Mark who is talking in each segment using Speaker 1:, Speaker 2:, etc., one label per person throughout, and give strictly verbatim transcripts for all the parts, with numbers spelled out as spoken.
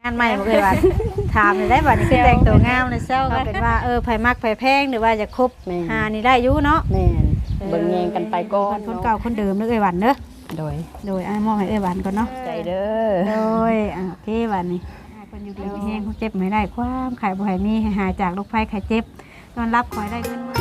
Speaker 1: งานใหม่บ่เคยว่าถามได้บัดนี้คือแต่งตัวงามเลยเซลก็เป็นว่าเออไผมักไผแพงหรือว่าจะคบหานี่ได้อยู่เนาะ
Speaker 2: แม่นเบิ่งแยงกันไปก่อน
Speaker 1: คนเก่าคนเดิมเด้อเอ้ยหวันเด้อ
Speaker 2: โดย
Speaker 1: โดยอ้ายมอบให้เอ้ยหวันก่อนเนาะ
Speaker 2: ใจเด้อ
Speaker 1: โดยอ่ะโอเคบัดนี้คนอยู่ดีมีแฮงเจ็บไม่ได้ความไข้บ่ให้มีให้หายจากโรคภัยไข้เจ็บนอนรับขอให้ได้เงินมื้อ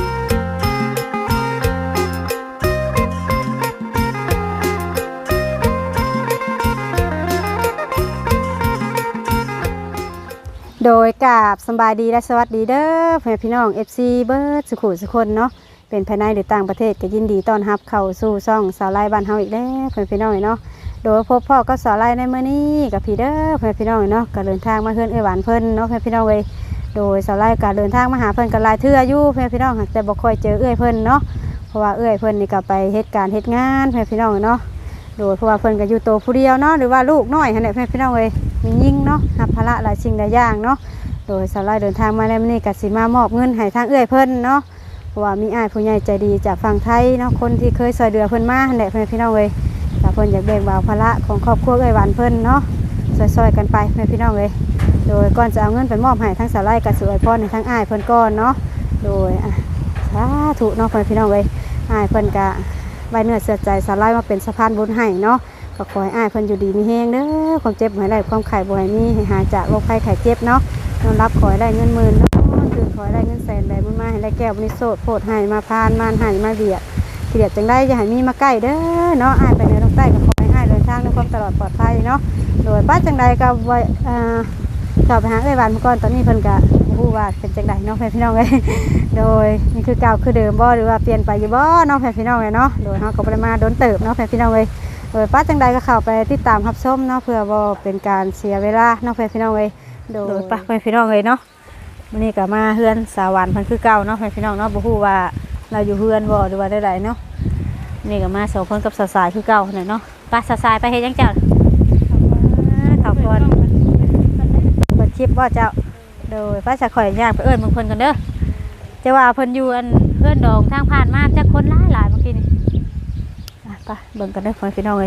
Speaker 1: โดยกราบสบายดีและสวัสดีเด้อเพื่อนพี่น้อง เอฟ ซี เบิร์ดสุขุสุคนเนาะเป็นภายในหรือต่างประเทศก็ยินดีต้อนรับเข้าสู่ช่องสาวไล่บ้านเฮาอีกแล้วเพื่อนพี่น้องเนาะโดยพบพ่อก็สาวไล่ในมื้อนี้กับพี่เด้อเพื่อนพี่น้องเนาะก็เดินทางมาเฮือนเอ้ยหวานเพิ่นเนาะเพื่อนพี่น้องเว้ยโดยสาวไล่ก็เดินทางมาหาเพิ่นก็หลายเทื่ออยู่เพื่อนพี่น้องแต่บ่ค่อยเจอเอ้ยเพิ่นเนาะเพราะว่าเอ้ยเพิ่นนี่ก็ไปเฮ็ดการเฮ็ดงานเพื่อนพี่น้องเนาะโดยเพราะว่าเพิ่นก็อยู่โตผู้เดียวเนาะหรือว่าลูกน้อยหั่นแหละเพื่อนพี่น้องเว้ยมียิ่งเนาะรับภาระหลายสิ่งหลายอย่างเนาะโดยสาวไล่เดินทางมาในมื้อนี้ก็สิมามอบเงินให้ทางเอื้อยเพิ่นเนาะเพราะว่ามีอ้ายผู้ใหญ่ใจดีจากฝั่งไทยเนาะคนที่เคยช่วยเหลือเพิ่นมาหั่นแหละเพิ่นพี่น้องเอ้ยถ้าเพิ่นอยากแบ่งเบาภาระของครอบครัวเอ้ยหวานเพิ่นเนาะช่วยๆกันไปเพิ่นพี่น้องเอ้ยโดยก่อนจะเอาเงินไปมอบให้ทางสาวไล่ก็สิอวยพรให้ทางอ้ายเพิ่นก่อนเนาะโดยอ่ะสาธุเนาะเพิ่นพี่น้องเอ้ยอ้ายเพิ่นก็ไว้เนื้อเชื่อใจสาวไล่มาเป็นสะพานบุญให้เนาะก็ขอให้อ้ายเพิ่นอยู่ดีมีแรงเด้อความเจ็บบ่ให้ได้ความไข้บ่ให้มีให้หายจากโรคภัยไข้เจ็บเนาะนอนรับขอให้ได้เงินหมื่นเนาะตื่นขอให้ได้เงินแสนได้บุญมาให้ได้แก้วบุญโสดโพดให้มาพานมานให้มาเบียดเบียดจังได้อย่าให้มีมาใกล้เด้อเนาะอ้ายไปเหนือลงใต้ก็ขอให้อ้ายเดินทางด้วยความตลอดปลอดภัยเนาะโดยป้าจังใดก็ไว้อ่าสอบไปหาเอ้ยหวานเมื่อก่อนตอนนี้เพิ่นก็ฮู้ว่าเป็นจังใดเนาะพี่น้องเอ้ยโดยนี่คือเก่าคือเดิมบ่หรือว่าเปลี่ยนไปอยู่บ่เนาะพี่น้องเอ้ยเนาะโดยเฮาก็บ่ได้มาโดนเติบเนาะพี่น้องเอ้ยโดยป้าจังใดก็เข้าไปติดตามรับชมเนาะเพื่อบ่เป็นการเสียเวลาเนาะพี่น้องเอ้ยโดยป้าพี่น้องเอ้ยเนาะวันนี้ก็มาเฮือนสาวรรค์เพิ่นคือเก่าเนาะพี่น้องเนาะบ่ฮู้ว่าเราอยู่เฮือนบ่หรือว่าได้ๆเนาะนี่ก็มาสองคนกับสาวสายคือเก่านั่นเนาะป้าสาวสายไปเฮ็ดจังเจ้าเข้าก่อนเปิดคลิปบ่เจ้าโดยป้าจะข่อยย่างไปเอิ้นมึงเพิ่นกันเด้อจะว่าเพิ่นอยู่อันเพื่อนดองทางผ่านมาจักคนหลายๆเมื่อกี้นี่ไปเบิ่งกันเด้อพี่น้องเอ้ย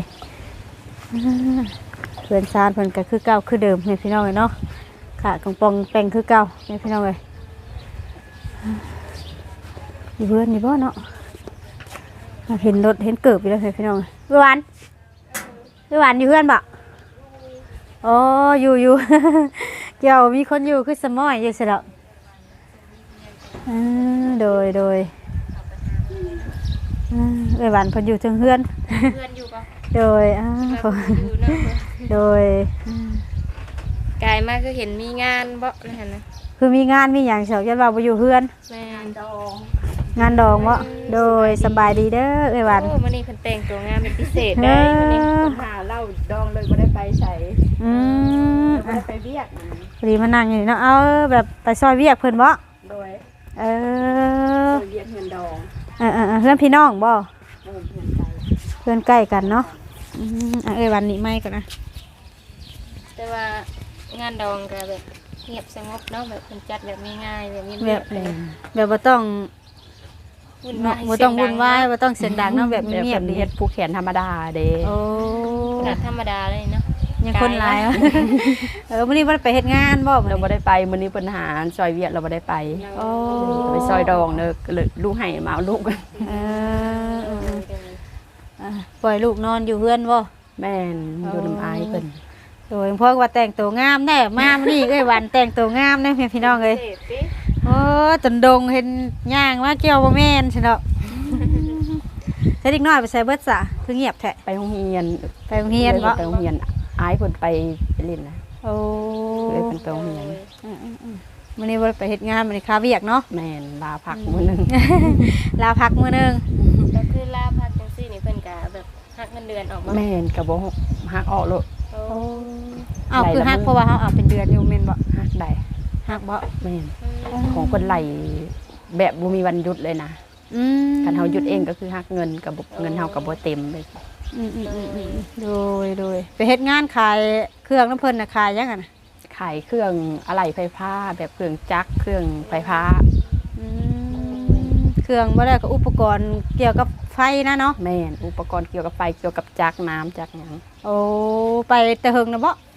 Speaker 1: เพื่อนซานเพิ่นก็คือเก่าคือเดิมพี่น้องเอ้ยเนาะค่ะกองปองแปลงคือเก่าเนี่ยพี่น้องเลยอยู่เพื่อนนี่บ่เนาะเห็นรถเห็นเกิบไปแล้วพี่น้องวิวันวิวันอยู่เพื่อนบ่อ๋ออยู่อยู่เกี่ยวมีคนอยู่คือสมอยอยู่สิละโดยโดยวิวันเพิ่นอยู่ถึงเพื่อนเพื่อนอยู่ปะโดยโดย
Speaker 3: กายมากคือเห็นมีงานบ่นั่นนะ
Speaker 1: คือมีงานมีอย่างเฉยยันว่าไปอยู่เพื่อน
Speaker 3: งานดอง
Speaker 1: งานดองบ่โดยสบายดีเด้อเอ้ยวัน
Speaker 3: โอ้มื้อนี้เพิ่นแต่งตัวงานเป็นพิเศษได้มื้อนี้เพิ่นหาเหล้าดองเลยบ่ได้ไปใส่
Speaker 1: อืม
Speaker 3: บ่ได้ไปเวียก
Speaker 1: พอดีมานั่งอยู่เนาะเอาแบบไปซอยเวียกเพิ่นบ่
Speaker 3: โดย
Speaker 1: เออ
Speaker 3: ซอยเวียกเฮือนดอง
Speaker 1: เออๆเพื่อนพี่น้องบ่เพื่อนใกล้กันเนาะอืมเอ้ยวันนี้ไม่ก่อนนะ
Speaker 3: แต่ว่างานดองก็แบบเงียบสงบเนาะแบบคนจัดแบบง่ายๆแบบเงียบ
Speaker 1: แบบแบบบ่ต้องบ่ต้องวุ่นวายบ่ต้องเสียงดังเนาะแบบเงียบดี
Speaker 2: เฮ็ดผู้แขนธรรมดาเด้
Speaker 1: โอ้
Speaker 3: ขนาดธรรมดาเลยเนาะ
Speaker 1: ยังคนหลายเออมื้อนี้บ่ได้ไปเฮ็ดงานบ่
Speaker 2: เราบ่ได้ไปมื้อนี้เพิ่นหาซอยเวียดเราบ่ได้ไป
Speaker 1: โอ้
Speaker 2: ไปซอยดองเด้อก็เลยลูกให้มาลูก
Speaker 1: เออปล่อยลูกนอนอยู่เฮือนบ่
Speaker 2: แม่นอยู่นำอายเพิ่น
Speaker 1: โดยพ่อว่าแต่งตัวงามแน่มานี่เอ้ยวันแต่งตัวงามแน่พี่น้องเอ้ยโอ้จนดงเห็นย่างว่าเกี่ยวบ่แม่นใช่เนาะใช้เด็กน้อยไปใส่เบิดซะคือเงียบแท้
Speaker 2: ไปโรงเรียน
Speaker 1: ไปโรงเรียนบ่
Speaker 2: ไปโรงเรียนอายเพิ่นไปเล่นนะ
Speaker 1: โอ้
Speaker 2: เลยเพิ่นไปโรงเรียน
Speaker 1: มื้อนี้บ่ได้ไปเฮ็ดงานมื้อนี้ค้าเวียกเนาะ
Speaker 2: แม่นลาพักมื้อนึง
Speaker 1: ลาพักมื้อนึง
Speaker 3: ก็คือลาพักจังซี่นี่เพิ่นก็แบบหักเงินเดือนออกมา
Speaker 2: แม่นก็บ่หักออกโลด
Speaker 1: โอ้อ้าวคือฮักเพราะว่าเขาเอาเป็นเดือนอยู่เมนบ่
Speaker 2: ฮักได้
Speaker 1: ฮักบ่
Speaker 2: แม่นของคนไหลแบบบ่มีวันหยุดเลยนะการเฮาหยุดเองก็คือฮักเงินกับเงินเฮากับบ่เต็มเลย
Speaker 1: โดยโดยไปเฮ็ดงานขายเครื่องน้ำเพิ่นน่ะขายยังไงน่ะ
Speaker 2: ขายเครื่องอะไหล่ไฟฟ้าแบบเครื่องจักรเครื่องไฟฟ้า
Speaker 1: เครื่องบ่ได้ก็อุปกรณ์เกี่ยวกับไฟนะเนาะ
Speaker 2: แม่นอุปกรณ์เกี่ยวกับไฟเกี่ยวกับจักรน้ำจักรหยัง
Speaker 1: โอ้ไปแต่เฮิงนะบ่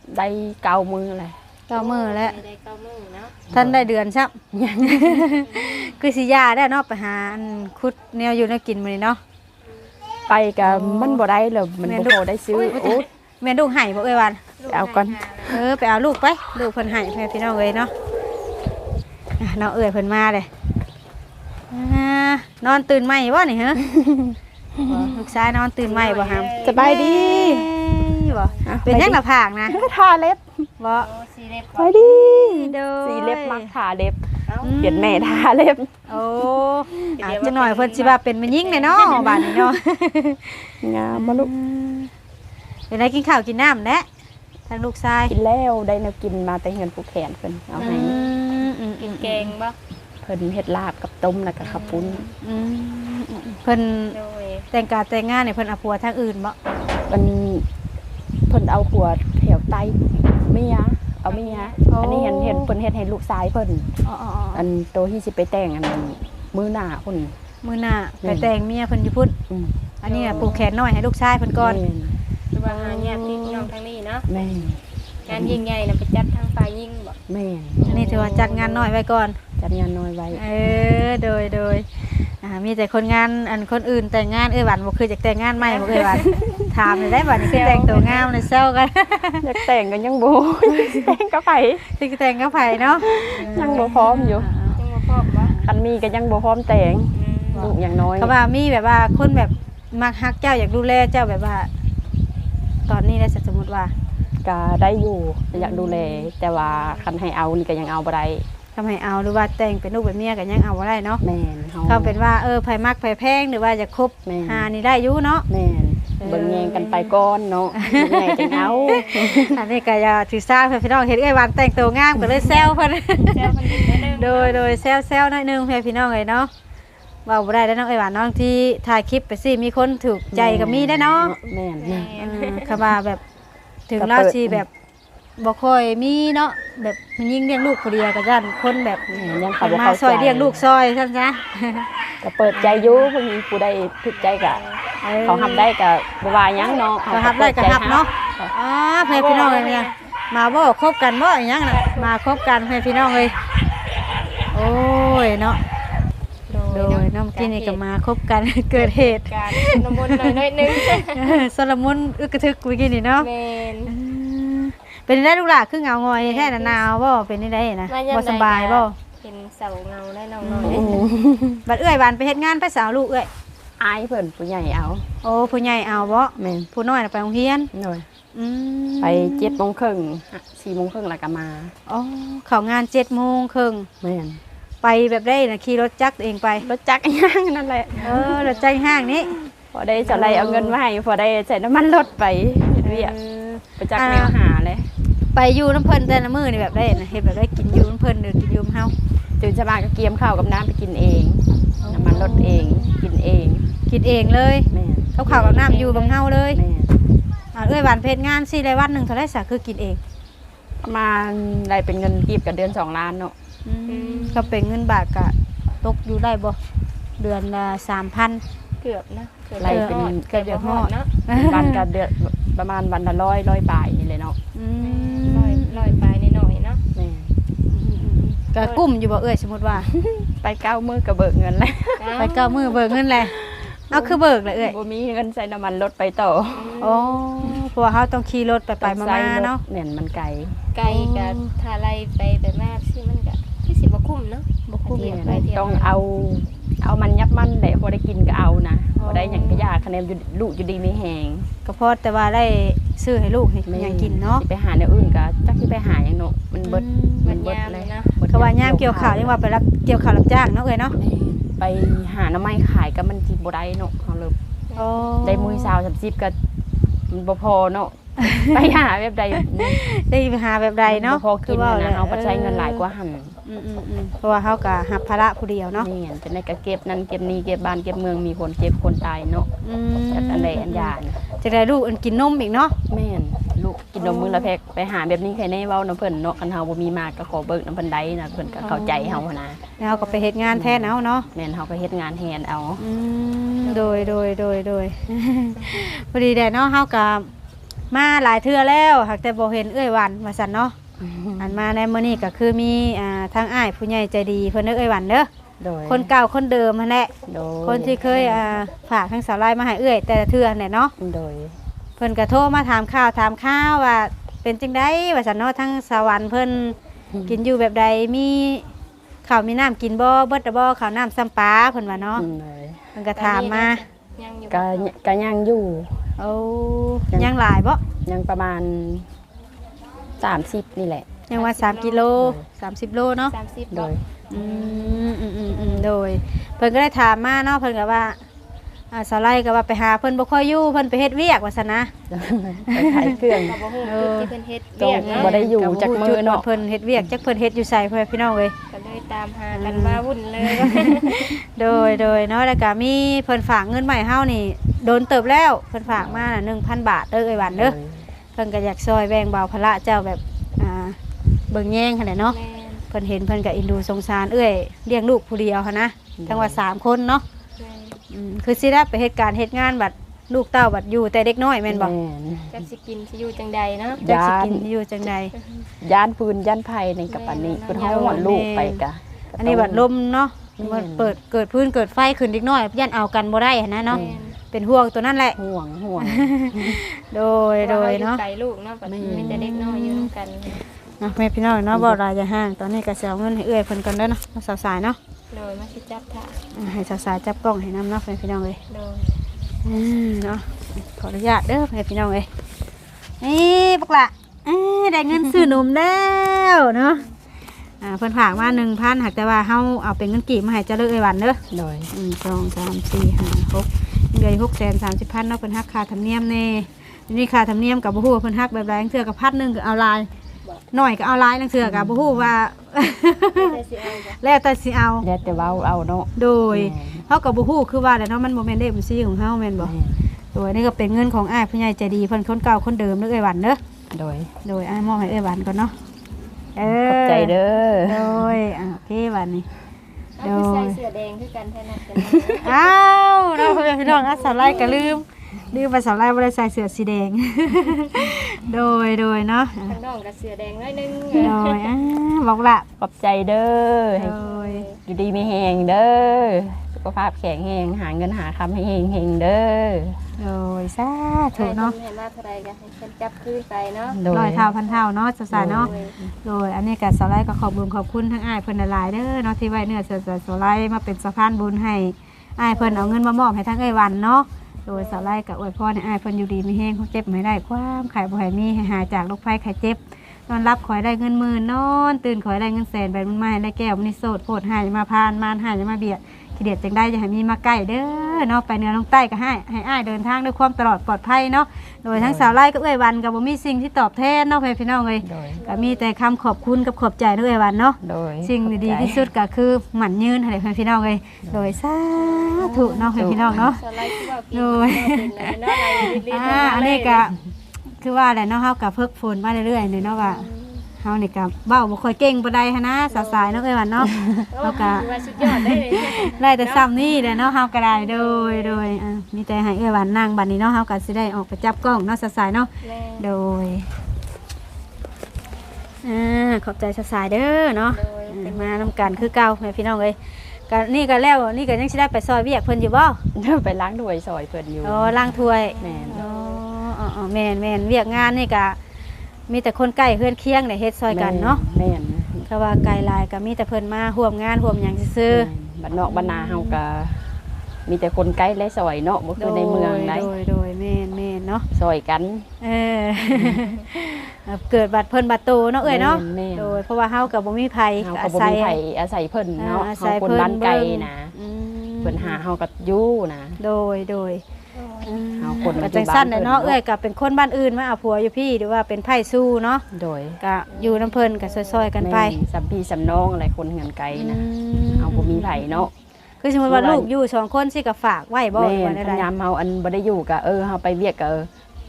Speaker 2: ได้เก้ามือเลย
Speaker 1: เก้ามื้อแล้ว
Speaker 3: ได้เก้ามื้อเนาะ
Speaker 1: ท่านได้เดือนซับ คือสิยาได้เนาะไปหาอันคุดแนวอยู่แนวกินมื้อนี้เนาะ
Speaker 2: ไปก็มันบ่ได้เลยมันบ่พอได้ซื้อโอ้
Speaker 1: แม่ลูกให้บ่เอ้ยวัน
Speaker 2: เอาก่อน
Speaker 1: เออไปเอาลูกไปลูกเพิ่นให้แม่พี่น้องเอ้ยเนาะอ่ะน้องเอ้ยเพิ่นมาเลยอ่านอนตื่นไหมบ่นี่ฮะ บ่ลูกชายนอนตื่นไหมบ่ฮัม
Speaker 2: สบายดี
Speaker 1: บ่เป็นยังหน้าผากนะ
Speaker 2: ทาเล็บ
Speaker 1: บ่
Speaker 3: โอ้สีเล็บ
Speaker 2: สบายดี
Speaker 1: โดย
Speaker 2: สีเล็บมักทาเล็บ
Speaker 3: เอ้า
Speaker 2: เปลี่ยนแม่ทาเล็บ
Speaker 1: โอ้อาจจะหน่อยเพิ่นสิว่าเป็นแม่หญิงแน่เนาะบัดนี้เนาะ
Speaker 2: งามมาลูก
Speaker 1: เป็นไรกินข้าวกินน้ำแหละทางลูกชาย
Speaker 2: กินแล้วได้แนวกินมาแต่เงินผู้แขนเพิ่นเอาให้
Speaker 1: อืมอืม
Speaker 3: กินแกงบ่
Speaker 2: เพิ่นเฮ็ดลาบกับต้มแล้วก็ข้าวปุ้น
Speaker 1: อืมเพิ่น
Speaker 3: โดย
Speaker 1: แต่งการแต่งงานเนี่ยเพิ่นเอาผัวทางอื่นบ่
Speaker 2: มันเพิ่นเอาหัวแถวไตเมียเอาเมียอันนี้เห็นเห็นเพิ่นเฮ็ดให้ลูกชายเพิ่น
Speaker 1: อ๋อ
Speaker 2: อันโตที่สิไปแต่งอันนั้นมื้อหน้าพุ่น
Speaker 1: ๆมื้อหน้าไปแต่งเมียเพิ่นอยู่พุ่น
Speaker 2: อืม
Speaker 1: อันนี้น่ะปลูกแขนน้อยให้ลูกชายเพิ่นก่อน
Speaker 3: คือว่าหาญาติพี่น้องทางนี้เนาะ
Speaker 2: แม่น
Speaker 3: งานยิ่งใหญ่น่ะไปจัดทางฝ่ายยิ่งบ่
Speaker 2: แม่น
Speaker 1: อันนี้ถือว่าจัดงานน้อยไว้ก่อน
Speaker 2: จัดงานน้อยไว้
Speaker 1: เออโดยโดยอ่ามีแต่คนงานอันคนอื่นแต่งงานเอ้ยหวันบ่คือจะแต่งงานใหม่บ่เอ้ยหวัน ถามเลยได้บัดนี้คือแต่งตัวงามเลยเซลกัน
Speaker 2: อยากแต่งกันยังบ่ แต่งก็ไป
Speaker 1: สิแต่งกับไผเนาะ
Speaker 2: ยังบ่พร้อมอยู่
Speaker 3: ยังบ่พร้อมบ่
Speaker 2: คันมีก็ยังบ่พร้อมแต่ง
Speaker 3: อืม
Speaker 2: ลูกอย่างน้อย
Speaker 1: เขาว่ามีแบบว่าคนแบบมักฮักเจ้าอยากดูแลเจ้าแบบว่า ตอนนี้ได้สมมุติว่า
Speaker 2: ก็ได้อยู่อยากดูแลแต่ว่าคันให้เอานี่ก็ยังเอาบ่ได้
Speaker 1: ทำให้เอาหรือว่าแต่งเป็นลูกเป็นเมียก็ยังเอาบ่ได้เนาะ
Speaker 2: แม่นเฮา
Speaker 1: เขาเป็นว่าเออไผมักไผแพงหรือว่าจะคบ
Speaker 2: แม่น
Speaker 1: หานี่ได้อยู่เนาะ
Speaker 2: แม่น
Speaker 1: เออ
Speaker 2: เบิ่งแยงกันไปก่อนเนาะลูกใหญ่จังเอา
Speaker 1: อันนี้ก็อย่าถือซาเพื่อนพี่น้องเห็นไอ้ยวันแต่งตัวงามก็เลยแซวเพิ่น
Speaker 3: แซวเพิ่นนิดนึง
Speaker 1: โดยโดยแซวแซวหน่อยหนึงเพื่อนพี่น้องเลยเนาะเว้าบ่ได้แล้วน้องไอ้ยหวานน้องที่ถ่ายคลิปไปสิมีคนถูกใจก็มีได้เนาะ
Speaker 2: แม่น
Speaker 3: แม่
Speaker 1: เออเขาว่าแบบถึงเราสิแบบบ่ค่อยมีเนาะแบบมันยิ่งเลี้ยงลูกผู้เดียวก็ย่านคนแบบ
Speaker 2: แม่นยังเขา
Speaker 1: เขา
Speaker 2: บ่
Speaker 1: มา
Speaker 2: เข้า
Speaker 1: ซอย
Speaker 2: ใจ
Speaker 1: เลี้ยงลูกซอยซั่นซะ
Speaker 2: ก็เปิดใจอยู่เพิ่นมีผู้ใดถูกใจก็เขาทำได้ก็บ่ว่าหยังเนาะ
Speaker 1: ก็ฮับได้ก็ฮับเนาะอ๋อเพื่อนพี่น้องเลยเนี่ยมาบ่คบกันบ่อีหยังน่ะมาคบกันเพื่อนพี่น้องเลยโอ้ยเนาะโดยน้องกินนี่ก็มาคบกัน เกิดเหตุ
Speaker 3: การน้ำมนต์หน่อยหน่อยนึง
Speaker 1: สลมุนอึกกระทึกเมื่อกี้นี่เนาะ
Speaker 3: แม่น
Speaker 1: เออเป็นได้ลูกหล่ะคือเหงางอยแท้น่ะหนาวบ่เป็นได้นะ
Speaker 3: มยม
Speaker 1: บ่
Speaker 3: ใด
Speaker 1: สบายบ่
Speaker 3: เป็นเสาเงาได้น้องน้อย
Speaker 2: อืม
Speaker 1: บัดเอื้อยบานไปเฮ็ดงานไปสาวลูกเอื้อย
Speaker 2: อายเพิ่นผู้ใหญ่เอา
Speaker 1: โอ้ผู้ใหญ่เอาบ่
Speaker 2: แม่น
Speaker 1: ผู้น้อยน่ะไปโรงเรียน
Speaker 2: หน่อย
Speaker 1: อืม
Speaker 2: ไปเจ็ดโมงครึ่งสี่โมงครึ่งแล้วก็มา
Speaker 1: อ๋อเข้างานเจ็ดโมงครึ่ง
Speaker 2: แม่น
Speaker 1: ไปแบบได้น่ะขี่รถจักรตัวเองไป
Speaker 2: รถจักรย่างนั่นแหละ
Speaker 1: เออรถใจห้างนี้
Speaker 2: พอได้จะไล่เอาเงินมาให้พอได้ใส่น้ำมันรถไปเฮ็ดเวียก
Speaker 1: เออ
Speaker 2: ไปจักแนวหาเลย
Speaker 1: ไปอยู่น้ำเพิ่นแต่ละมื้อนี่แบบได้นะเฮ็ดแบบได้กินอยู่น้ำเพิ่นหรือกินอยู่น้ำเฮา
Speaker 2: ตื่นเช้ามาก็เกียมข้าวกับน้ำไปกินเอง น้ำมันรถเองกินเอง
Speaker 1: กินเองเลย
Speaker 2: แม่น
Speaker 1: เขาข้าวกับน้ำอยู่บางเฮาเลย
Speaker 2: แม่น
Speaker 1: อ่าเอ้ยหวานเพชรงานสิได้วันหนึงเท่าไหร่ซะคือกินเอง
Speaker 2: ประมาณได้เป็นเงินกีบกับเดือนสองล้านเนาะ
Speaker 1: ก็เป็นเงินบาทก็ตกอยู่ได้บ่เดือนละสามพัน
Speaker 3: เกือบนะเกือบ
Speaker 2: ไล่เป็น
Speaker 3: ฮอด
Speaker 1: เกือบจะฮอด
Speaker 3: เนาะ
Speaker 2: วันกับเดือนประมาณวันละร้อยร้อยปลายนี่เลยเนาะ
Speaker 1: อื
Speaker 3: ลอย
Speaker 1: ม
Speaker 3: ลอยไปนิดหน่อยเนาะ
Speaker 2: แม่น
Speaker 1: ก็กุ้มอยู่บ่เอ้ยสมมุติว่า
Speaker 2: ไปเก้ามื้อก็เบิกเงินแล้ว
Speaker 1: ไปเก้ามื้อเบิกเงินแหละเอาคือเบิกเลยเอ้ย
Speaker 2: บ่มีเงินใส่น้ำมันรถไปต่อ
Speaker 1: อ๋อเพราะว่าเฮาต้องขี่รถไปไปมาๆเนาะ
Speaker 2: เนี่ยมันไกล
Speaker 3: ไกลกับถ้าไล่ไปไปมากสิมันก็คือสิบ่คุ้มเนาะ
Speaker 1: บ่คุ้ม
Speaker 3: เที่ยว
Speaker 2: เนี่ย
Speaker 3: ไปเที่ยว
Speaker 2: ต้อง
Speaker 3: มา
Speaker 2: เอา เอามันยับมันแหละพอได้กินก็เอานะพอได้หยังก็ยากคะแนนอยู่ลูกอยู่ดีไม่แหง
Speaker 1: ก็พอแต่ว่าได้ซื้อให้ลูกให้หยังกินเนาะ
Speaker 2: สิไปหาแนวอื่นก็จักสิไปหาหยังเนาะมันเบิด
Speaker 3: มัน
Speaker 2: เบิด
Speaker 3: ยาม
Speaker 2: เล
Speaker 3: เลย ยนะ
Speaker 2: บิด
Speaker 1: เขาว่ายามเกี่ยวข้าวยังว่าไปรับเกี่ยวข้าวรับจ้างเนาะเอ้ยเนาะ
Speaker 2: ไปหาหน้ำไม้ขายก็มันสิบ่ได้เนาะเฮาเลย
Speaker 1: โอ้
Speaker 2: ได้มื้อเช้าสามสิบก็มันบ่พอเนาะ ไปหาแบบใด
Speaker 1: ได้ไปหาแบบใดเนาะ
Speaker 2: บ่พอกิน
Speaker 1: ว่
Speaker 2: นะเฮาก็ใช้เงินหลายกว่าหั่น
Speaker 1: อืมๆๆเพราะว่าเฮาก็รับภาระผู้เดียวเนาะ
Speaker 2: นี่จะได้ก็เก็บนั่นเก็บนี่เก็บบ้านเก็บเมืองมีคนเจ็บคนตายเนาะ
Speaker 1: อืม
Speaker 2: แต่อันใดอันยานะ
Speaker 1: จะได้ลูกอันกินนมอีกเนาะ
Speaker 2: แม่นลูกกินนมมื้อละแพ็กไปหาแบบนี้ใครแน่เว้านํเพิ่นเนาะคันเฮาบ่มีมากก็ขอเบิกนํเพิ่นได้นะเพิ่นก็เข้าใจเฮาหั้นนะ
Speaker 1: แล้วเราก็ไปเฮ็ดงานแทนเอาเนาะ
Speaker 2: แม่นเฮาก็เฮ็ดงานแทนเอา
Speaker 1: อืมโดยโดยโดยโดย พอดีแดดเนาะเฮาก็มาหลายเทื่อแล้วหากแต่บ่เห็นเอ้ยหวันว่าซั่นเนาะอันมาในมื้อนี้ก็คือมีอ่าทางอ้ายผู้ใหญ่ใจดีเพิ่นเด้อเอ้ยหวันเด้อ
Speaker 2: โดย
Speaker 1: คนเก่าคนเดิมนั่นแหละ
Speaker 2: โดย
Speaker 1: คนที่เคยอ่าฝากทางสาวไล่มาให้เอ้ยแต่ละเทื่อเนี่ยเนาะ
Speaker 2: โดย
Speaker 1: เพิ่นก็โทรมาถามข่าวถามข่าวว่าเป็นจังได๋ว่าซั่นเนาะทั้งสวรรค์เพิ่นกินอยู่แบบใดมีข้าวมีน้ำกินบ่เบิดดบ่ข้าวน้ำซ้ำปลาเพิ่นว่าเนาะ
Speaker 2: โดย
Speaker 1: เพิ่นก็ถามมา
Speaker 3: ยังอยู่
Speaker 2: ก็ก็ยังอยู่
Speaker 1: โอ้ยังหลายบ่
Speaker 2: ยังประมาณสามสิบนี่แหละ
Speaker 1: ยังว่าสามกิโลสามสิบโลเนาะ
Speaker 3: สามสิบ
Speaker 2: โด
Speaker 3: เนาะ
Speaker 2: ย
Speaker 1: อืมอืมอืมอืมโดยเพิ่นก็ได้ถามมาเนาะเพิ่นก็ว่าอ่าสาวไล่ก็ว่าไปหาเพิ่นบ่ค่อยอยู่เพิ่นไปเฮ็ดเวียกว่าซั่นนะ
Speaker 2: ไปขายเครื่อง
Speaker 3: ก็บ่ฮู้จุดที่เพิ่นเฮ็ด
Speaker 2: ตร
Speaker 3: เวี
Speaker 2: ง
Speaker 3: ยกเนาะ
Speaker 2: บ่ได้อยู่
Speaker 1: ก็
Speaker 2: จัก
Speaker 1: ฮู้
Speaker 2: มื้
Speaker 1: จุ
Speaker 2: อ
Speaker 1: ด
Speaker 2: เนาะ
Speaker 1: ว่าเพิ่นเฮ็ดเวียกจักเพิ่นเฮ็ดอยู่ไสพ่อแม่พี่น้องเอ้ย
Speaker 3: ก็เลยตามหากันมาวุ่นเลย
Speaker 1: โดยโดยเนาะแล้วก็มีเพิ่นฝากเงินมาใหม่เฮานี่โดนเติบแล้วเพิ่นฝากมาน่ะ หนึ่งพัน บาทเด้อเอ้ยหวันเด้อเพิ่นก็อยากซอยแบ่งเบาภาระเจ้าแบบอ่าเบิ่งแย่งหั่นแหละเนาะ
Speaker 3: แม่น
Speaker 1: เพิ่นเห็นเพิ่นก็เอ็นดูสงสารเอ้ยเลี้ยงลูกผู้เดียวหั่นนะทั้งว่าสามคนเนาะ
Speaker 3: แม่น
Speaker 1: อืมคือสิได้ไปเฮ็ดการเฮ็ดงานบัดลูกเต้าบัดอยู่แต่เด็กน้อยแม่นบ่
Speaker 2: แม่น
Speaker 3: จักสิกินสิอยู่จังใดเนาะ
Speaker 1: จักสิ
Speaker 2: ย้าน
Speaker 1: กินอยู่จังใด
Speaker 2: ย่านปืนย่านไผ่ในกับอันนี้เพิ่นเฮาหวานลูกไปกะ
Speaker 1: อันนี้บัดลมเนาะมันเปิดเกิดพื้นเกิดไฟขึ้นเด็กน้อยย่านเอากันบ่ได้หั่นนะเนาะ
Speaker 3: แม่น
Speaker 1: เป็นห่วงตัวนั่นแหละ
Speaker 2: ห่วงห่วง
Speaker 1: โดยโดยเนาะ
Speaker 3: ว่รอยู่ไกลลูกเนาะบัด
Speaker 2: แม่น
Speaker 3: มีแต่เด็กน้อยอยู่นํกัน
Speaker 1: เนาะแม่พี่น้องเนาะบ่รายจะห่างตอนนี้ก็สิเอาเงินให้เอื้อยเพิ่นก่อนเด้อเนาะมาสาวสายเนาะ
Speaker 3: โดยมาสิจับท่า
Speaker 1: อ่าให้สาวสายจับกล้องให้นำเนาะแม่พี่น้องเอ้ย
Speaker 3: โดย
Speaker 1: อืมเนาะขออนุญาตเด้อแม่พี่น้องเอ้ยนี่บักละเอ้ยได้เงินซื้อนมแล้วเนาะอ่าเพิ่นฝากมา หนึ่งพัน หากแต่ว่าเฮาเอาเป็นเงินกีบมาให้เจ้าเลิกไอ้หวันเด้อ
Speaker 2: โดย
Speaker 1: หนึ่งสองสามสี่ห้าหกเหลือหกแสนสามสิบพันเนาะเพิ่นหักค่าธรรมเนียมแน่นี่ค่าธรรมเนียมกับบ่ฮู้ว่าเพิ่นหักแบบใดจังเทื่อกับพันหนึงก็เอาลายหน่อยก็เอาลายจังเทื่อก็บ่ฮู้ว่า
Speaker 3: แต่สิเอาจ้ะ
Speaker 1: แล้วแต่สิเอา
Speaker 2: แล้วแต่เว้าเอาเนาะ
Speaker 1: โดยเฮาก็บ่ฮู้คือว่าแหละเนาะมันบ่แม่นเลขบัญชีของเฮาแม่นบ่โดยนี่ก็เป็นเงินของอ้ายผู้ใหญ่ใจดีเพิ่นคนเก่าคนเดิมเด้อเอ้ยหวันเด้อ
Speaker 2: โดย
Speaker 1: โดยอ้ายมอบให้เอ้ยหวันก่อนเนาะเออ
Speaker 2: ขอบใจเด้อ
Speaker 1: โดยอ่ะโอเคหวันนี้
Speaker 3: เอาคือใส่เสื้อแดงคือกันแท้นัดกัน
Speaker 1: อ้าวเราะพี่น้องอ่ะสาวไล่ก็ลืมลืมไปสาวไล่บ่ได้ใส่เสื้อสีแดง โดยโดยเนาะอ่ะ
Speaker 3: ข้างนอกกับเสื้อแดงน้อยนึง
Speaker 1: โดยอ่ะบอกละ
Speaker 2: ขอบใจเด้อให้
Speaker 1: โดย
Speaker 2: อยู่ดีมีแหงเด้อสุขภาพแข็งแรงหาเงินหาคำให้เฮงเฮงเด้อ
Speaker 1: โดยสาธุเนาะ
Speaker 3: ให้มาเท่าไรกันให้ฉันจับคืนไปเนาะ
Speaker 2: โดย
Speaker 1: ร้อยเท่าพันเท่าเนาะสาวๆเนาะ
Speaker 3: โดย
Speaker 1: โดยอันนี้ก็สาวไลก็ขอบบุญขอบคุณทั้งอ้ายเพิ่นหลายๆเด้อเนาะที่ไว้เนื้อเสือสาวไลมาเป็นสะพานบุญให้อ้ายเพิ่นเอาเงินมามอบให้ทั้งเอ้ยวันเนาะโดยสาวไลก็อวยพรให้อ้ายเพิ่นอยู่ดีมีแห้งเขาเจ็บไม่ได้ความไข่บ่ให้มีให้หายจากโรคภัยไข้เจ็บนอนรับขอให้ได้เงินหมื่นนอนตื่นขอให้ได้เงินแสนแบบมันมาให้ได้แก้วมันนี่โสดโพดให้อย่ามาพานมานให้อย่ามาเบียดขี้เดียดจังได้อย่าให้มีมาใกล้เด้อเนาะไปเหนือลงใต้ก็ให้ให้อ้ายเดินทางด้วยความตลอดปลอดภัยเนาะโดยทั้งสาวไลก็เอ้ยวันก็บ่มีสิ่งที่ตอบแทนเนาะพี่น้องเอ้ย
Speaker 2: โดย
Speaker 1: ก็มีแต่คำขอบคุณกับขอบใจด้วยวันเนาะ
Speaker 2: โดย
Speaker 1: สิ่งดีๆที่สุดก็คือหมั่นยืนให้เพื่อนพี่น้องเลยโดยสาธุเนาะเพื่อนพี่น้องเนาะ
Speaker 3: สไลด์ที่ว่ากิน
Speaker 1: โดย
Speaker 3: เป็นเนาะอะไรรีบๆ
Speaker 1: อ่าอันนี้ก็คือว่าแหละเนาะเฮากับเพิกฝนมาเรื่อยๆเนี่ยเนาะว่าเฮานี่ก็เว้าบ่ค่อยเก่งปานใดหันนะสาวๆเนาะเอ้ยวันเนาะ
Speaker 3: เราก็ว่าสุดยอดได้เลย
Speaker 1: ได้แต่ซ้ำนี่แหละเนาะเฮาก็ได้โดยโดยอ่ามีแต่ให้เอ้ยวันนั่งบัดนี้เนาะเฮาก็สิได้ออกไปจับกล้องเนาะสาวๆเนาะ
Speaker 3: แม่
Speaker 1: โดยอ่าขอบใจสาวๆเด้อเนาะ
Speaker 3: โดยเป็น
Speaker 1: มานำกันคือเก่าแม่พี่น้องเอ้ยก็นี่ก็แล้วนี่ก็ยังสิได้ไปซอยเวียกเพิ่นอยู่บ่
Speaker 2: เดี๋ยวไปล้างด้วยซอยเพิ่นอยู่
Speaker 1: อ๋อล้างถ้วย
Speaker 2: แม่น
Speaker 1: อ๋ออ๋ออ๋อแม่นแม่นเวียกงานนี่ก็มีแต่คนใกล้เพื่อนเคียงได้เฮ็ดซอยกันเนาะ
Speaker 2: แม่น
Speaker 1: ก็ว่าไกลหลายก็มีแต่เพิ่นมาร่วมงานร่วมหยังซื่อ
Speaker 2: แม่นบ้านนอกบ้านนาเฮาก็มีแต่คนใกล้และซอยเนาะบ่
Speaker 1: ๆ
Speaker 2: คือในเมืองได
Speaker 1: โดยโดยแม่นแม่นเนาะ
Speaker 2: ซอยกัน
Speaker 1: เออ เกิดบัดเพิ่นบัดโตเนาะเอ้ยเนาะ
Speaker 2: แม่น
Speaker 1: โดยเพราะว่าเฮาก็บ่มีไผ
Speaker 2: เฮา
Speaker 1: ก็
Speaker 2: ก็
Speaker 1: อา
Speaker 2: บ่
Speaker 1: ศัย
Speaker 2: มีไผอาศัยเพิ่นเนาะ
Speaker 1: อ่าอา
Speaker 2: เฮา
Speaker 1: ศัย
Speaker 2: คน
Speaker 1: เพิ่น
Speaker 2: บ้านไกล
Speaker 1: เบิ่ง
Speaker 2: นะ
Speaker 1: อืม
Speaker 2: เพิ่นหาเฮาก็อยู่นะ
Speaker 1: โดยโดย
Speaker 2: เอาคน
Speaker 1: ก็
Speaker 2: มา
Speaker 1: จังสั้น
Speaker 2: อยู่
Speaker 1: เลย
Speaker 2: บ้าน
Speaker 1: เนาะ
Speaker 2: เพิ่น
Speaker 1: เอ้ยก็เป็นคนบ้านอื่นมาเอาผัวอยู่พี่หรือว่าเป็นไผ่สู้เนาะ
Speaker 2: โดย
Speaker 1: ก็อยู่น้ำเพิ่นก็ซอยๆกันไป
Speaker 2: แม่สัมพี่สัมน้องอะไรคนเงินไกลนะ
Speaker 1: อืม
Speaker 2: เฮาบ่มีไผเนาะ
Speaker 1: คือสมมติว่าลูกอยู่สองคนสิก็ฝากไว้บ่
Speaker 2: แม่
Speaker 1: หรือว่า
Speaker 2: พ
Speaker 1: ได้
Speaker 2: ยายามเฮาอันบ่ได้อยู่ก็เออเฮาไปเวียกก็เออ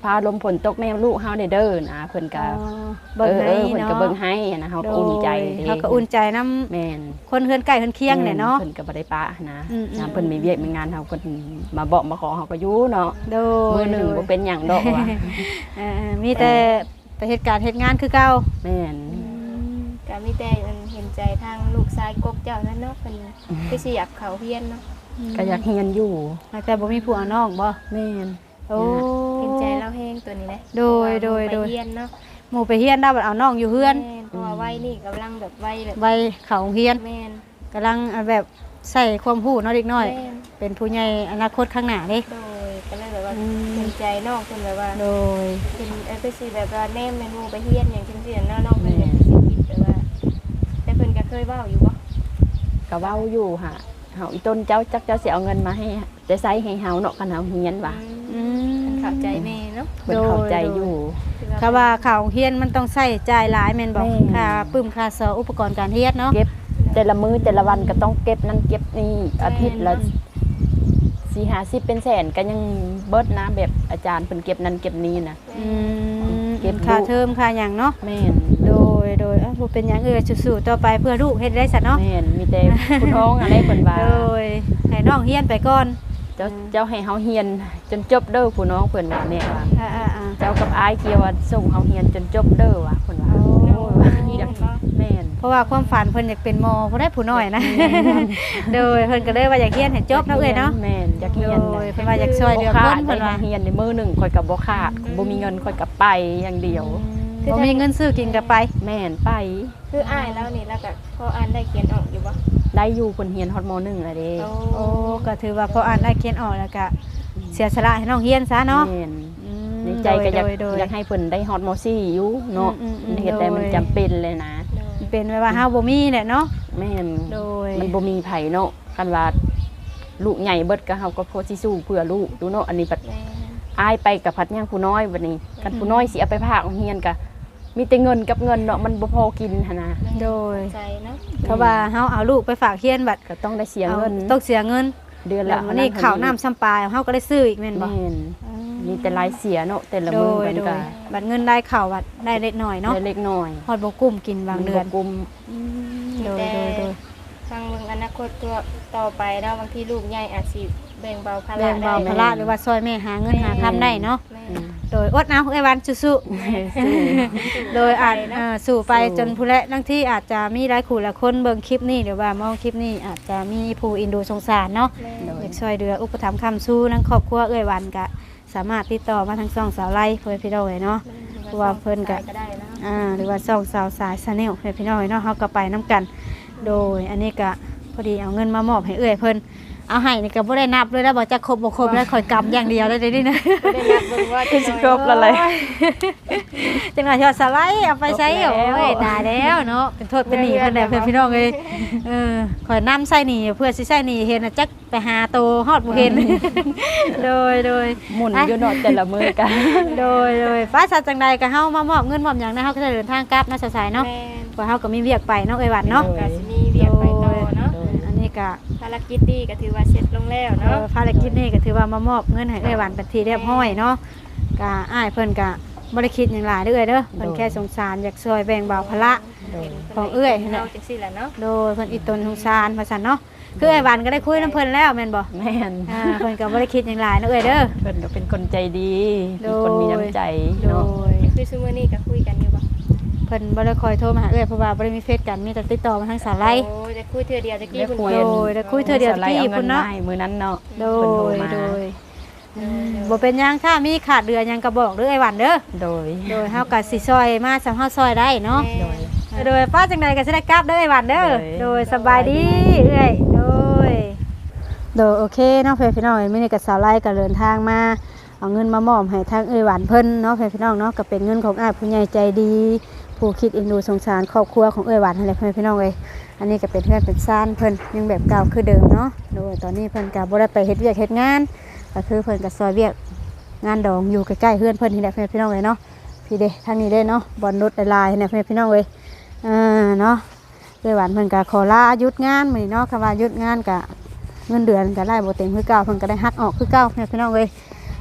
Speaker 2: พาลมฝนตกแม่ลูกเฮาได้เด้อนะเพิ่นก็
Speaker 1: เบิ่งให้
Speaker 2: เออเพิ่น
Speaker 1: เนาะ
Speaker 2: ก็เบิ่งให้นะเฮาก็อุ่นใจด้
Speaker 1: เฮาก็อุ่นใจนำ
Speaker 2: แม่น
Speaker 1: คนเฮือนใกล้เฮือนเคียงเนี่ยเนาะ
Speaker 2: เพิ่นก็บ่ได้ปะนะ
Speaker 1: อืมๆ
Speaker 2: ยามเพิ่นมีเวียกมีงานเฮาเพิ่นมาบอกมาขอเฮาก็อยู่เนาะ
Speaker 1: โดย
Speaker 2: มื้อหนึงบ่เป็นหยังดอกว่ะ
Speaker 1: เออมีแต่ไปเฮ็ดการเฮ็ดงานคือเก่า
Speaker 2: แม่น
Speaker 3: ก็มีแต่อันเห็นใจทางลูกชายกกเจ้านั่นเนาะเพิ่นคือสิอยากเข้าเรียนเนาะ
Speaker 2: ก็อยากเรียนอยู่
Speaker 1: แต่บ่มีผู้เอาน้องบ่
Speaker 2: แม่น
Speaker 1: โอ้
Speaker 3: เห็นใจเราแห้งตัวนี้แหละ
Speaker 1: โดยโดยโดย
Speaker 3: ไปเรียนเนาะ
Speaker 1: หมู่ไปเฮียนได้บัดเอาน้องอยู่เฮือน
Speaker 3: แม่นเพราะว่าวัยนี่กำลังแบบวัยแบบ
Speaker 1: ไว้เข้าโรงเรียน
Speaker 3: แม่น
Speaker 1: กำลังแบบใส่ความรู้เนาะเด็กน้อย
Speaker 3: แม่น
Speaker 1: เป็นผู้ใหญ่อนาคตข้างหน้าเด้
Speaker 3: โดยก็เลยแบบว่า
Speaker 1: อืม
Speaker 3: เห็นใจน้องเพิ่นแบบว่า
Speaker 1: โดย
Speaker 3: เป็นเออไปสิแบบว่าแนมแม่นหมู่ไปเรียนอย่างจังซี่เนาะน้องเพิ่นอยากสิคิดแต่ว่าแต่เพิ่นก็เคยเว้าอยู่บ่
Speaker 2: ก็เว้าอยู่ฮะเฮาอีต้นเจ้าจักเจ้าสิเอาเงินมาให้ได้ใช้ให้เฮาเนาะคันเฮาเรียนว่ะ
Speaker 1: อืม
Speaker 3: เข้าใจแม่เนาะ
Speaker 2: เพิ่นเข้าใจอยู่
Speaker 1: ค่ะว่าเข้าโรงเรียนมันต้องใช้จ่ายหลายแม่นบ่
Speaker 2: แม่น
Speaker 1: ค่าปึ้มค่าซออุปกรณ์การเรียนเนาะ
Speaker 2: เก็บแต่ละมื้อแต่ละวันก็ต้องเก็บนั่นเก็บนี่อาทิตย์ละสี่ห้าสิบเป็นแสนก็ยังเบิดนะแบบอาจารย์เพิ่นเก็บนั่นเก็บนี่นะ
Speaker 1: อืม
Speaker 2: เก็บ
Speaker 1: ค่า
Speaker 2: ลูก
Speaker 1: เทอมค่าหยังเนาะ
Speaker 2: แม่น
Speaker 1: โดยโดยเอ้าบ่เป็นหยังเอ้ยสู้ๆต่อไปเพื่อลูกเฮ็ดได้ซะเนาะ
Speaker 2: แม่นมีแต่ผู้ท้องอะไรเพิ่นว่า
Speaker 1: โดยให้น้องเฮียนไปก่อน
Speaker 2: เจ้าเจ้าให้เฮาเฮียนจนจบเด้อผู้น้องเพิ่นว่าแม่ว่า
Speaker 1: อ่าๆ
Speaker 2: เจ้ากับอายเกี่ยวว่าส่งเฮาเฮียนจนจบเด้อว่ะเพิ่นว่า
Speaker 1: โอ้
Speaker 2: โอ้ยอยากแม่น
Speaker 1: ๆเพราะว่าความฝันเพิ่นอยากเป็นหมอบ่ได้ผู้น้อยนะ โดยเพิ่นก็เลยว่าอยากเรียนให้จบเนาะเอ้ยเนาะ
Speaker 2: แม่นอยากเฮียน
Speaker 1: โดยเพิ่นว่าอยากช่วยเหลือคน
Speaker 2: เพิ่
Speaker 1: เพิ่
Speaker 2: น
Speaker 1: น
Speaker 2: ว่า
Speaker 1: ว่า
Speaker 2: เฮียนในมื้อหนึงข่อยก็บ่ขาดบ่มีเงินข่อยก็ไปอย่างเดียว
Speaker 1: บ่มีเงินซื้อกินก็ไป
Speaker 2: แม่นไป
Speaker 3: คืออ้ายแล้วนี่แล้วก็พออ่านได้เขียนออกอยู่บ่
Speaker 2: ได้อยู่เพิ่นเฮียนฮอดมหนึ่งแล้วเด้
Speaker 3: โอ้
Speaker 1: โอ้ก็ถือว่าพออ่านได้เขียนออกแล้วก็เสียสละให้น้องเฮียนซะเนาะ
Speaker 2: แม่น
Speaker 1: อืม
Speaker 2: ในใจก็อยาก
Speaker 1: โดโด
Speaker 2: อยากให้เพิ่นได้ฮอดมสี่อยู่เนาะ
Speaker 1: อืมอืมอืม
Speaker 2: เฮ็ดได้มันจำเป็นเลยนะ
Speaker 3: โดย
Speaker 1: เป็นไว้ว่าเฮาบ่มีแหละเนาะ
Speaker 2: แม่น
Speaker 1: โดย
Speaker 2: มันบ่มีไผเนาะคันว่าลูกใหญ่เบิดก็เฮาก็พอสิสู้เพื่อลูกดูเนาะอันนี้บัด
Speaker 3: แม่
Speaker 2: อายไปกับพัดย่างผู้น้อยบัดนี้คันผู้น้อยสิเอาไปพากโรงเรียนก็มีแต่เงินกับเงินเนาะมันบ่พอกินหั่นนะ
Speaker 3: แม่
Speaker 1: โดย
Speaker 3: ใจเนาะ
Speaker 1: เพราะว่าเฮาเอาลูกไปฝากเฮียนบัด
Speaker 2: ก็ต้องได้เสีย
Speaker 1: เอา
Speaker 2: เงิน
Speaker 1: ต้องเสียเงิน
Speaker 2: เดือน
Speaker 1: แล้
Speaker 2: ละ
Speaker 1: ววันนี้ข้าวน้ำซ้ำปลาเฮาก็ได้ซื้ออีกแม่นบ่
Speaker 2: แม่นมีแต่รายเสียเนาะแต่ละ
Speaker 1: โด
Speaker 2: มื้อย มัน
Speaker 1: โด
Speaker 2: ก็
Speaker 1: ยบัดเงินได้ข้าวบัดได้เล็กน้อยเนาะ
Speaker 2: ได้เล็กน้อย
Speaker 1: ฮอดบ่กุ้มกินบางเดือน
Speaker 2: มับ่กุม
Speaker 1: โดยโดยโดย
Speaker 3: ฟังเบิ่งอนาคตตัวต่อไปเนาะบางทีลูกใหญ่อาจสิแบ่งเบาภาระ
Speaker 1: แบ่งเบา
Speaker 3: ได้
Speaker 1: ภาระหรือว่าซอยแม่หาเงินหาคำได้เนาะ
Speaker 3: แม่
Speaker 2: อืม
Speaker 1: โดยอดเอาไอ้วันสู้
Speaker 2: สู้
Speaker 1: ๆ โดยอาจเอ่อสู่ไป
Speaker 2: สู้
Speaker 1: จนผู้และบางที่อาจจะมีหลายคู่หลายคนเบิ่งคลิปนี้หรือว่ามองคลิปนี้อาจจะมีผู้อินดูสงสารเนาะ
Speaker 3: แม่
Speaker 2: โด
Speaker 1: อยากช่วยเหลืออุปถัมภ์คำสู้ทั้งครอบครัวเอ้ยวันก็สามารถติดต่อมาทางช่องสาวไล่เพื่อนพี่น้องเลยเนาะ ว่าเพิ่นก็
Speaker 3: ได้นะ
Speaker 1: อ่าหรือว่าช่องสาวสายชาแนลเพื่อนพี่น้องเลยเนาะเฮาก็ไปน้กัน โดยอันนี้ก็พอดีเอาเงินมามอบให้เอ้ยเพิ่นเอาให้นี่ก็บ่ได้นับเลยแล้วบ่จะครบบ่ครบแล้วคอยกำอย่างเดียวเลยเดี๋ยวนี้นะ
Speaker 3: ได้นับเบิ่งว่าจะ
Speaker 2: สิครบแล้วเลย
Speaker 1: จังหวะที่ว่าสไลด์เอาไปใช้โอ้ยตายแล้วเนาะเป็นโทษเป็นหนี้เพิ่นแหละเพื่อนพี่น้องเอ้ยเออขอยนํใส่หนี้เพื่อสิใส่หนี้เห็นน่ะจักไปหาโตฮอดบ่เห็น โดยโดย
Speaker 2: หมุนอยู่เนาะแต่ละมื้อกัน
Speaker 1: โดยโดยฟ้าสัตว์จังใดก็เฮามามอบเงินมอบหยังนะเฮาก็จะเดินทางกลับเนาะสายๆเนาะ
Speaker 3: แม่น
Speaker 1: ว่าเฮาก็มีเวียกไปเนาะเอ้ยหวันเนาะ
Speaker 3: ก็สิมีเวียกไปต่อเนาะ
Speaker 1: อันนี้ก็
Speaker 3: ภารกิจดีก็ถือว่าเสร็จลงแล้ว
Speaker 1: เอ่
Speaker 3: เนาะ
Speaker 1: อภารกิจนี้ก็ถือว่ามามอบเงินให้เอ้ยหวันเป็นที่เรียบร้อยเนาะก็อ้ายเพิ่นก็บ่ได้คิดหยังหลายเด้อเอ้ยเด้อเพิ่นแค่สงสารอยากช่วยแบ่งเบาภาระ ของเอื้อย
Speaker 3: เนาะจังซี่แหละเนาะ
Speaker 1: โดยเพิ่นอีตนสงสารว่าซั่นเนาะคือไอ้หวันก็ได้คุยนํเพิ่นแล้วแม่นบ่
Speaker 2: แม่น
Speaker 1: อ่าเพิ่นก็บ่ได้คิดหยังหลายเนาะเอ้ยเด้อ
Speaker 2: เพิ่นก็เป็นคนใจดี
Speaker 1: โด
Speaker 2: เป็น
Speaker 1: ย
Speaker 2: คนมีน้ำใจ
Speaker 1: โด
Speaker 2: เนาะ
Speaker 1: ย
Speaker 3: คือซุมื้อนี้ก็คุยกันอยู่บ่
Speaker 1: เพิ่นบ่ได้คอยโทรมาหาเอ้ยเพราะว่าบ่ได้มีเฟซกันมีแต่ติดต่อมาทางสายไล
Speaker 3: โอ้ยจะคุยเทื่อเดียวตะกี้
Speaker 2: ได้
Speaker 3: เพิ่น
Speaker 2: คุย
Speaker 1: โดยได้คุยเทื่อเดียว
Speaker 2: สไลด์
Speaker 1: ที่
Speaker 2: เอา
Speaker 1: พุ่
Speaker 2: เงิ
Speaker 1: น
Speaker 2: น
Speaker 1: เนาะ
Speaker 2: มาให้มื้อนั้นเนาะ
Speaker 1: โด
Speaker 2: เพิ่นโทร
Speaker 1: ย
Speaker 2: มา
Speaker 1: โดยอืมบ่เป็นหยังถ้ามีขาดเดือหยังก็บอกเด้อไอ้หวันเด้อ
Speaker 2: โดย
Speaker 1: โดยเฮาก็สิซอยมาสำเฮาซอยได้เนาะ
Speaker 3: โดย
Speaker 1: โดยป้าจังใดก็สิได้กลับเด้อไอ้หวันเด้อ
Speaker 2: โดย
Speaker 1: โดยสบายดีเอ้ยโดยโดยโอเคเนาะเพื่อนพี่น้องมื้อนี้ก็สาวไลก็เดินทางมาเอาเงินมามอบให้ทางเอ้ยหวันเพิ่นเนาะเพื่อนพี่น้องเนาะก็เป็นเงินของอ้ายผู้ใหญ่ใจดีผู้คิดเอ็นดูสงสารครอบครัวของเอ้ยหวันนั่นแหละเพื่อนพี่น้องเอ้ยอันนี้ก็เป็นเพื่อนเป็นซ่านเพิ่นยังแบบเก่าคือเดิมเนาะโดยตอนนี้เพิ่นก็บ่ได้ไปเฮ็ดเวียกเฮ็ดงานก็คือเพิ่นก็ซอยเวียกงานดองอยู่ใกล้ๆเพื่อนเพิ่นนี่แหละเพื่อนพี่น้องเอ้ยเนาะพี่เด้ทางนี้เด้เนาะบอลนุชลายๆเนี่ยเพื่อนพี่น้องเอ้ยอ่าเนาะเอ้ยหวันเพิ่นก็ขอลาหยุดงานมื้อนี้เนาะคำว่าหยุดงานก็เงินเดือนก็ได้บ่เต็มคือเก่าเพิ่นก็ได้หักออกคือเก่าเพื่อนพี่น้องเอ้ย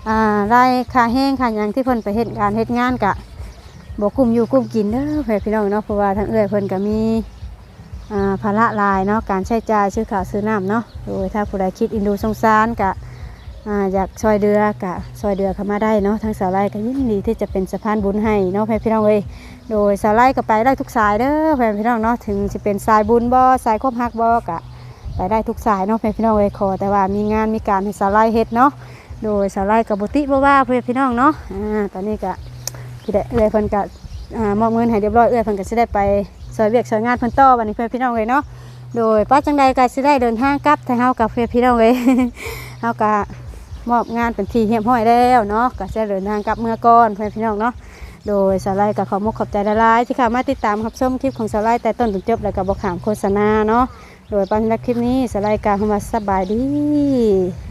Speaker 1: อ่ารายค่าแห้งค่าหยังที่เพิ่นไปเฮ็ดการเฮ็ดงานกะบ่กุ้มอยู่กุ้มกินเด้อเพื่อนพี่น้องเนาะเพราะว่าทางเอื้อยเพิ่นก็มีอ่าภาระหลายเนาะการใช้จ่ายซื้อข้าวซื้อน้ำเนาะโดยถ้าผู้ใดคิดอินดูสงสารกะอ่าอยากช่วยเดือกะช่วยเดือเข้ามาได้เนาะทางสาวไร่ก็ยินดีที่จะเป็นสะพานบุญให้เนาะเพื่อนพี่น้องเอ้ยโดยสาวไร่ก็ไปได้ทุกสายเด้อเพื่อนพี่น้องเนาะถึงจะเป็นสายบุญบ่สายคบฮักบ่กะไปได้ทุกสายเนาะเพื่อนพี่น้องเอ้ยขอแต่ว่ามีงานมีการให้สาวไร่เฮ็ดเนาะโดยสาวไร่กับบุติบ่ว่าเพื่อนพี่น้องเนาะอ่าตอนนี้ก็พี่ได้เอื้อยเพิ่นก็อ่ามอบเงินให้เรียบร้อยเอื้อยเพิ่นก็สิได้ไปซอยเวียกซอยงานเพิ่นต่อวันนี้เพื่อนพี่น้องเอ้ยเนาะโดยป้าจังใดก็สิได้เดินทางกลับทางเฮากับเพื่อนพี่น้องเอ้ย เฮาก็มอบงานเป็นที่เรียบร้อยแล้วเนาะก็จะเดินทางกลับเมื่อก่อนเพื่อนพี่น้องเนาะโดยสาวไร่ก็ขอมกขอบใจหลายๆที่เข้ามาติดตามรับชมคลิปของสาวไร่แต่ต้นจนจบแล้วก็บ่ขามโฆษณาเนาะโดยปันรักคลิปนี้สาวไร่ก็เข้ามาสบายดี